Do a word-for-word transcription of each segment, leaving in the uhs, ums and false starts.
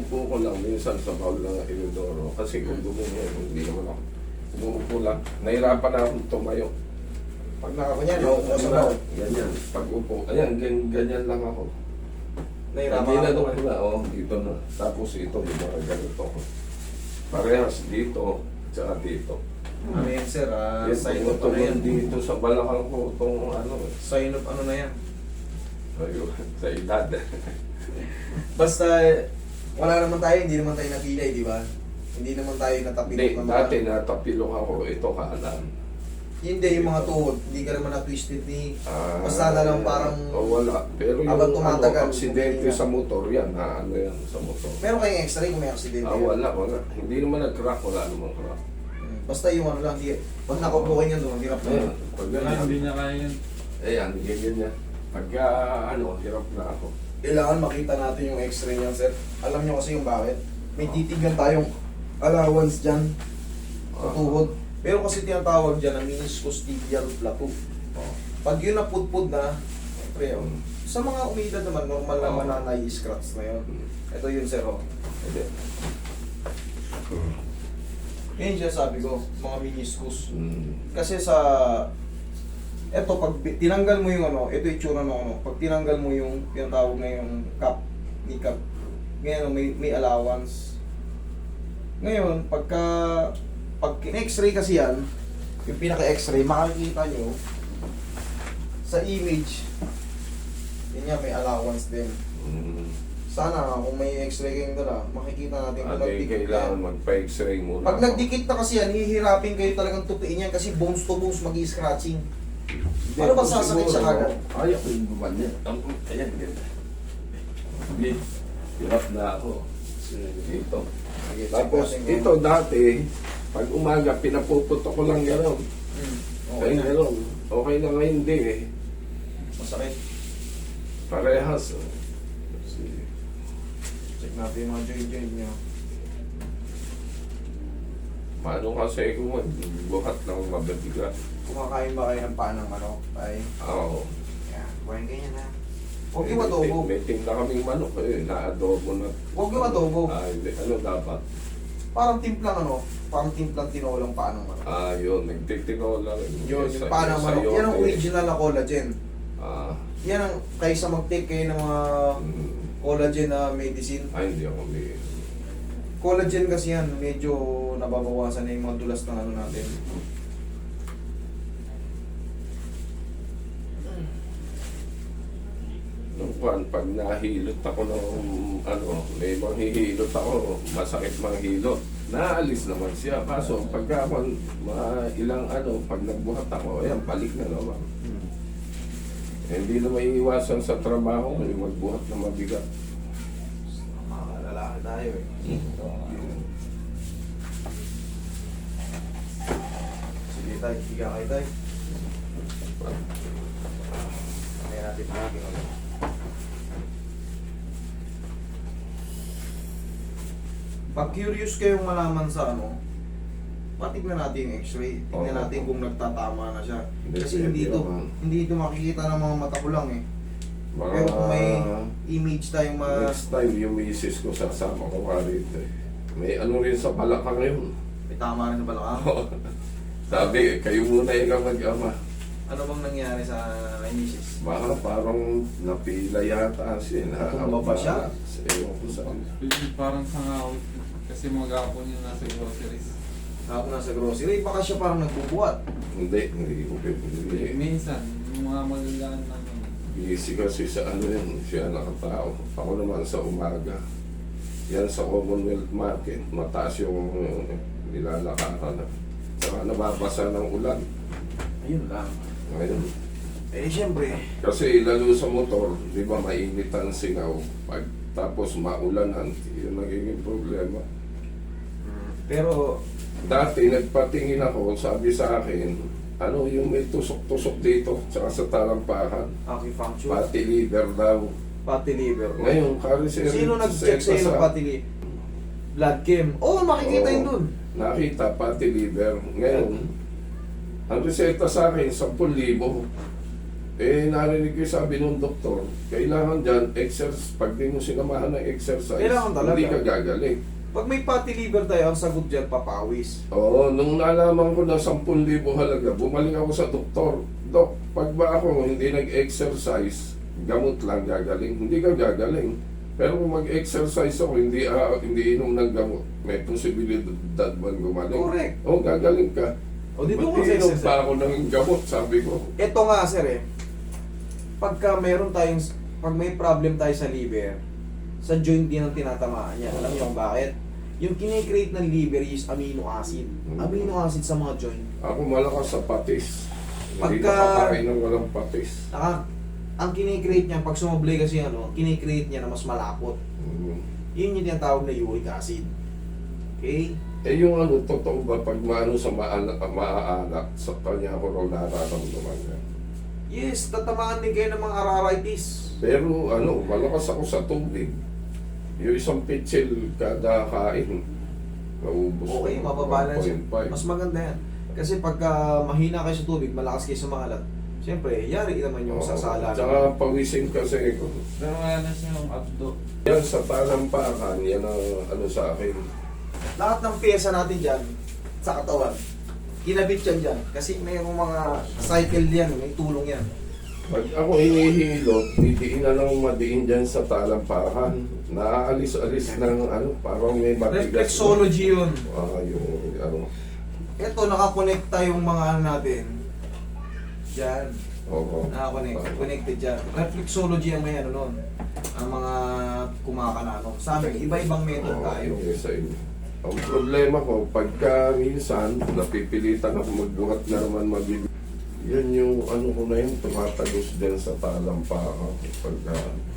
Inuupo ko lang minsan sa bawal ng inodoro kasi kung gumunyan, hindi naman ako. Umuupo lang. Nahirapan na akong tumayo. Pag nakakunyan, naupo ko sa bawal. Ganyan. Pag upo, ayan, ganyan, ganyan lang ako. Nahirapan Hindi na ako. doon na, oh, dito na. Tapos ito, yung mga ganito ko. Parehas dito, tsaka dito. Ano yan, sir? Ah, Yes, sign of ano yan? tumutulong dito sa balakang ko itong ano. eh. Sign of ano na yan? Ayun, sa edad. Basta, wala naman tayo, hindi naman tayo napilay, di ba? Hindi naman tayo natapilok Hindi, ng dati natapilok ako, ito kanan. Hindi, yung mga tuhod, hindi ka naman na-twisted ni... Ah, Basta na lang parang... oh, wala. Pero yung habang tumatagal, ano, aksidente hindi na. sa motor, yan, na ano yan sa motor. Meron kayong x-ray kung may accident Ah, wala, wala. Hindi naman nag-crack, wala namang crack. Basta yung ano lang, di, pag nakupo kayo yan doon, hirap na Ayan, yun. pag Wala, ganyan, hindi niya kaya yun. ayan, ganyan niya. Pagka, ano, hirap na ako. Kailangan makita natin yung x-ray niyan, sir. Alam niyo kasi yung bakit. May titignan tayong allowance dyan sa Ah. tuhod. Pero kasi tinatawag dyan na meniscus tibial plateau. Oh. Pag yun napudpud na, pre, oh, sa mga umidad naman, normal Oo. naman na nai-scratch na yun. Hmm. Ito yun, sir, oh. Hindi. Yan siya sabi ko, mga meniscus. Hmm. Kasi sa eto pag bi- tinanggal mo yung ano, ito yung itsura ng ano, pag tinanggal mo yung tinatawag na yung cap, ni cap, ngayon may may allowance. Ngayon, pagka pag in-x-ray kasi yan, yung pinaka-x-ray, makikita nyo sa image, yun yan, may allowance din. Hmm. Sana kung may x-ray kayong dala, makikita natin kung Ate, nagdikit kailangan yan. magpa-x-ray muna. Pag ako. nagdikit na kasi yan, hihirapin kayo talagang tupiin yan kasi bones to bones mag-i-scratching. Hindi, Ano ba kung sasakit siguro, siya kagad? Ayaw ko yung gumanyan. Ang ayan, ganyan. Hindi, hirap na ako. Dito. Sige, Tapos, check natin ito dati, pag umaga, pinapuputo ko lang gano'n. Hmm, Okay, okay na. gano'n. Okay na ngayon hindi eh. Masakit. Parehas. oh. Si- Check natin yung mga joint-joint nyo. Paano kasi kung buhat ng mabibigat? Kumakain ba kayo ng panang manok? Ay, Oo. yan. Kuhain kayo na. Huwag Eh, yung adobo. May tinda kaming manok eh, na-adobo na. Huwag yung adobo. Ah, hindi. Ano dapat? Parang timplang ano, parang timplang tinolang panang manok. Ah, yun. Nagtitino lang. Yun, yung panang manok. Yan ang original na collagen. Ah, Yan ang, kaysa mag-take kayo ng mga mm, collagen na medicine. ay, hindi ako may... Collagen kasi yan, medyo nababawasan na yung mga dulas ng ano natin. Nung pan, pag nahilot ako ng ano, may manghihilot ako, masakit manghilot. Naalis naman siya. Kaso pagka ako, mga ilang ano, pag nagbuhat ako, ayan, balik na naman. Eh, hindi na maiiwasan sa trabaho, yung magbuhat na mabigat. Mga lalaki tayo eh. Sige tayo, higa kayo tayo. Kaya natin pagiging ano. Pag curious kayong malaman sa ano, patignan natin yung x-ray. Tignan Oo. natin kung nagtatama na siya. Hindi, Kasi hindi hindi ito, naman. hindi ito makikita ng mga mata ko lang eh. Mga, Pero kung may image tayong ma... next time yung misis ko sasama ko ka rito eh. May ano rin sa balakang yun. May tama rin sa balakang. Sabi, kayo muna yung mag-ama. Ano bang nangyari sa kay misis? Baka parang napila yata siya. Natumba ba siya? Ewan ko saan. Parang sangawit. Kasi maghapon yung nasa groceries. Ako nasa grocery, baka siya parang nagbubuhat. Hindi, hindi ko Eh, pipili. Minsan, yung mga magagaan namin. Busy kasi sa ano yun, siya nakatao. Ako naman sa umaga. Yan sa Commonwealth Market, mataas yung uh, nilalakaran. Saka nababasa ng ulan. Ayun lang. Ngayon, Eh, siyempre. kasi lalo sa motor, di ba mainit ang singaw. Pag tapos maulanan, yun nagiging problema. Pero, Dati nagpatingin ako, sabi sa akin, ano yung may tusok-tusok dito, tsaka sa talampakan. acupuncture, Pati liver daw. fatty liver. Ngayon, kari Sino nag-check sa iyo ng fatty liver? Blood chem. Oo, oh, makikita yun dun. Nakita, pati liver. Ngayon, ang reseta sa akin, ten thousand. Eh, narinig ko yung sabi ng doktor, kailangan dyan, exercise, pag di mo sinamahan ng exercise, Kailangan talaga. hindi ka gagaling. Pag may fatty liver tayo, ang sagot dyan, papawis. Oo, nung nalaman ko na sampung libo halaga, bumalik ako sa doktor. Dok, pag ba ako hindi nag-exercise, gamot lang gagaling. Hindi ka gagaling. Pero kung mag-exercise ako, hindi, ah, hindi inom ng gamot, may posibilidad man gumaling. Correct. Oo, gagaling ka. O, dito Ba't mo sa inom exercise. pa ako ng gamot, sabi ko. Ito nga, sir eh. Pagka meron tayong, pag may problem tayo sa liver, sa joint din ang tinatamaan niya. Alam niyo kung bakit? Yung kinikreate ng liver is amino acid. Mm. Amino acid sa mga joint. Ako malakas sa patis. Hindi Pagka- nakakain ng walang patis. Naka, ang kinikreate niya, pag sumablay kasi ano, kinikreate niya na mas malapot. Mm. Yun yung tinatawag na uric acid. Okay? Eh yung ano, totoo ba pag maano sa maanak, maaanak, sa kanya ako raw nararamdaman niya. Yes, tatamaan din kayo ng mga arthritis. Pero ano, malakas ako sa tubig. Yung isang pitsil kada kain, naubos Okay, ko, mababalance one yan. point five. Mas maganda yan. Kasi pagka mahina kayo sa tubig, malakas kayo sa maalat, siyempre, yari naman yung Oo. sasala. Tsaka pawisin kasi ko. Pero wala na siyang abdo. Yan sa talampakan, yan ang ano sa akin. Lahat ng pyesa natin dyan, sa katawan, kinabit yan dyan. Kasi mayroong mga cycle yan, may tulong yan. Pag ako hinihilot, didiin na lang madiin dyan sa talampakan. Naaalis-alis ng ano, parang may matigas. Reflexology yun. Ah, yung ano. Ito, nakakonekta yung mga ano natin. Dyan. Oo. Nakakonect. Connected dyan. Reflexology ang may ano nun. Ang mga kumakanano. Sa amin, iba-ibang method Oo, tayo. yung isa yun. Ang problema ko, pagka minsan, napipilitan ako magbuhat na naman mabili. Yun yung ano ko na yun, tumatagos din sa talampakan. Pagka,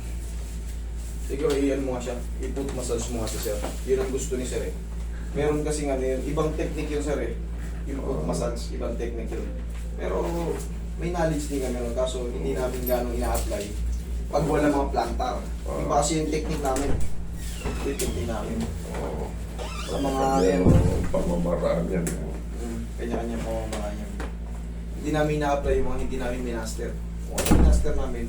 Siguro, iyan mo nga siya. I-put massage mo nga siya, sir. Yun ang gusto ni sir eh. Meron kasi nga yun. Ibang technique yun, sir eh. Yung put massage, ibang technique yun. Pero, may knowledge din kami nun. Kaso, hindi namin gano'ng ina-apply. Pag wala mga plantar. Iba kasi yung technique namin. Ito yung technique namin. oo. Sa mga Yan, yan. ang pamamaraan yan. Mm, kanya-kanya po ang mga yan. Hindi namin na-apply yung mga hindi namin minaster. Kung ano minaster namin,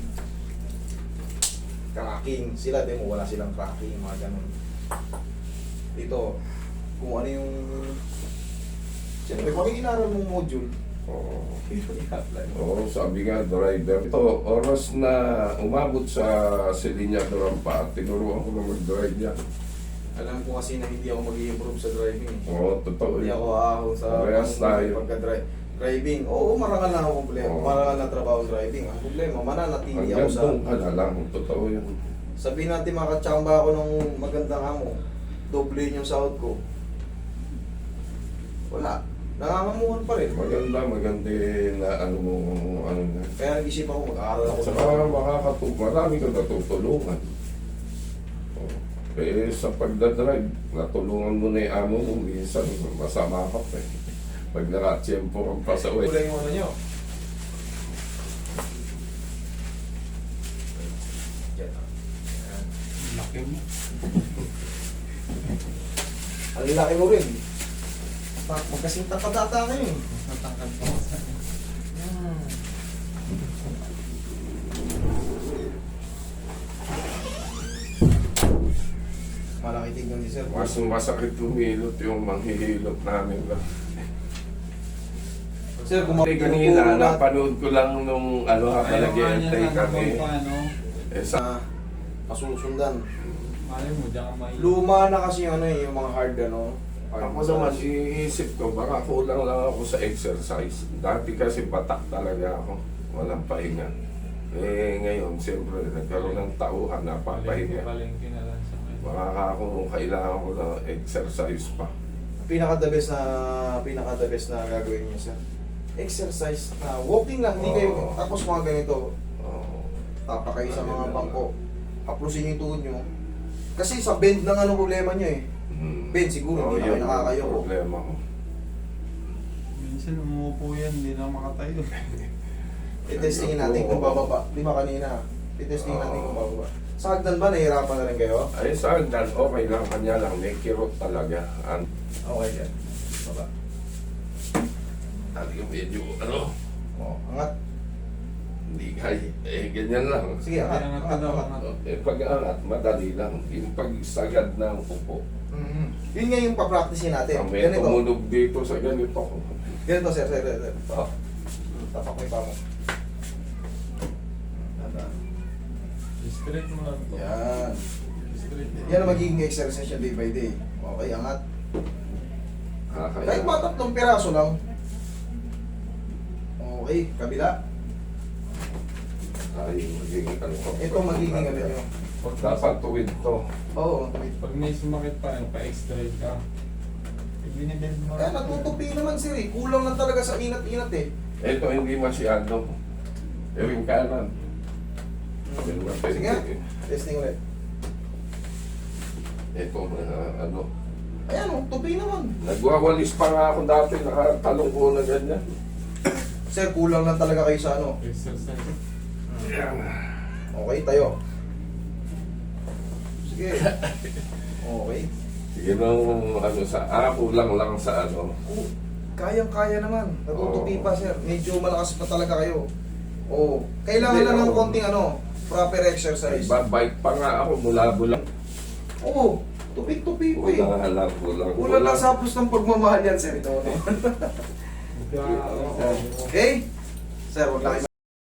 cracking. Sila, di mo, wala silang cracking, mga ganun. Ito, kung ano yung... Siyempre, pag inaral mong module, Oo. ito i-apply mo. Oo, sabi nga, driver. Ito, oras na umabot sa Silinya Durampa, tinuruan ko na mag-drive niya. Alam ko kasi na hindi ako mag-i-improve sa driving. Oo, totoo Hindi yun. ako ahon sa Parehas tayo. pagka-drive. Driving, oo, marangal na ako problema. Oo. Marangal na trabaho driving. Ang problema, mananatili ako Hanggang sa... doon ka na lang, totoo yun. Sabihin natin makatsamba ako ng magandang amo, doble yung sahod ko. Wala. Nangangamuhan pa rin. Maganda, maganda na ano mo, ano na. Kaya nag-isip ako, mag-aaral ako Saka makakatulong, marami kang natutulungan. Oo. Eh, sa pagdadrive, natulungan mo na yung amo mo, minsan masama ka pa eh. Pag nakatsyempo kang pasaway. Kulay yung ano nyo. Yan. Yan. Laki mo. Ang laki mo rin. Ta- Magkasing tatadata kayo. Natangkad pa ako sa akin. Hmm. Malaki tignan ni sir. Mas masakit humilot yung manghihilot namin lang. Sir, kung Kasi kanina, napanood ko lang nung ano habang Ayaw nga niya nag-e-entay na kami. naman pa, ano. Eh, sa, sa masusundan. Malay mo, diyan ka may... Luma na kasi yung ano eh, yung mga hard ano. hard ako naman, massage. iisip ko, baka kulang lang ako sa exercise. Dati kasi batak talaga ako. Walang pahinga. Eh, ngayon, siyempre, nagkaroon ng tauhan, napapahinga. Palengke na lang sa akin. Baka ako kailangan ko ng exercise pa. Pinaka the best na pinaka the best na gagawin niyo sir. Exercise na walking lang, hindi kayo Oo. tapos mga ganito. Oo. Tapa kayo sa Ayun mga na bangko. Haplusin niyo yung tuhod niyo. Kasi sa bend lang ano problema niyo eh. Hmm. Ben, siguro, hindi na yun kayo ang nakakayo. problema ko. Minsan umuupo yan, hindi na makatayo. I-testingin natin kung bababa. Di ba kanina? I-testingin natin kung bababa. Sa hagdan ba, nahihirapan na rin kayo? Ay, sa hagdan, okay lang. Kanya lang, may kirot talaga. Ang Okay yan. Baba. dati yung medyo, ano, O, angat. Hindi kaya. Eh, ganyan lang. Sige, angat. Angat angat, ka daw, angat. angat. Eh, pag-angat, madali lang. Yung pagsagad ng upo. Mhm. Yun nga yung pa-practicein natin. Ang may Ganito. tumunog dito sa ganito. Ganito, sir, sir, sir. sir. Ah, Tapak mo yung paa mo. Tandaan. Straight mo lang to. Yan. Straight. Yan ang magiging exercise niya day by day. Okay, angat. kakaya. Kahit mga tatlong piraso lang. Okay, kabila. Ay, magiging ano ko. Ito magiging ano nyo. Pag, Dapat tuwid to. Oo, wait. pag may sumakit pa, yung pa-extrait ka. Ibinibend mo. Kaya natutupi naman sir eh. Kulang lang talaga sa inat-inat eh. Ito hindi masyado. Pero yung kanan. Pero mapende. Sige nga. Testing ulit. Ito, uh, ano. Ayan o, tupi naman. Nagwawalis pa nga ako dati, nakatalong ko na ganyan. Sir, kulang lang talaga kayo sa ano. Exercise. Okay, tayo. Sige. Okay. Sige nung ano sa, ako lang lang sa ano. Oh, kayang-kaya naman. Natutupi pa sir. Medyo malakas pa talaga kayo. Oo. Kailangan Hindi, lang ng ako- konting ano, proper exercise. Babike pa nga ako mula bulang. Oo. Tupi-tupi pa eh. Kulang halang, kulang. Kulang lang sa hapos ng pagmamahal yan sir. Ito, ano? Ika- Okay? Sir, wag lang kayo